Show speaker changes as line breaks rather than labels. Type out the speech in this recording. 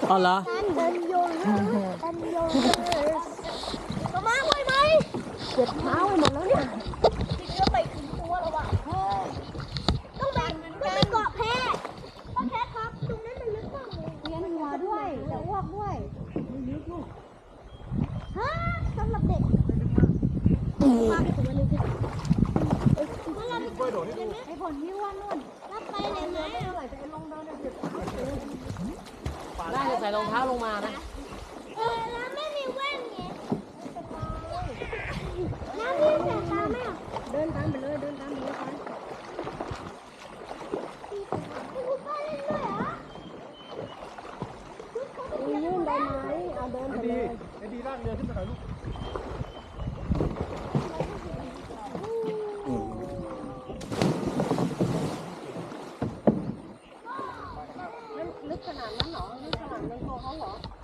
อ๋อเหรอ
เดินโยนก็มาไว้ไหมเจ็บเท้าไปหมดแล้วเนี่ยติดเชื้อไปถึงตัวแล้วว่ะต้องไปเกาะแพพ่อแคทครับตรงนั้นมันลึกมากเลยเวียนหัวด้วยจะอ้วกด้วยลึกลูกฮะสำหรับเด็กมากถึงวันนี้คือไอ้ผลที่ว่านู่นรับไปเลยไหมอะไรจะลงเดินเจ็บเท้า
ได้จะใส่รองเท้าลงมานะ
แล้วไม่มีแว่นไงน้ำพี่แสบตาไหมอ่ะเดินตามไปเลยไปคุณป้าเล่นด้วยเหรอยื่นได้ไหมเอาเดินไปเลย
ไอ้ดีลากเรือขึ้นมาหน่อยลูก
ลึกขนาดนั้นเหรอลึกขนาดในคอเขาเหรอ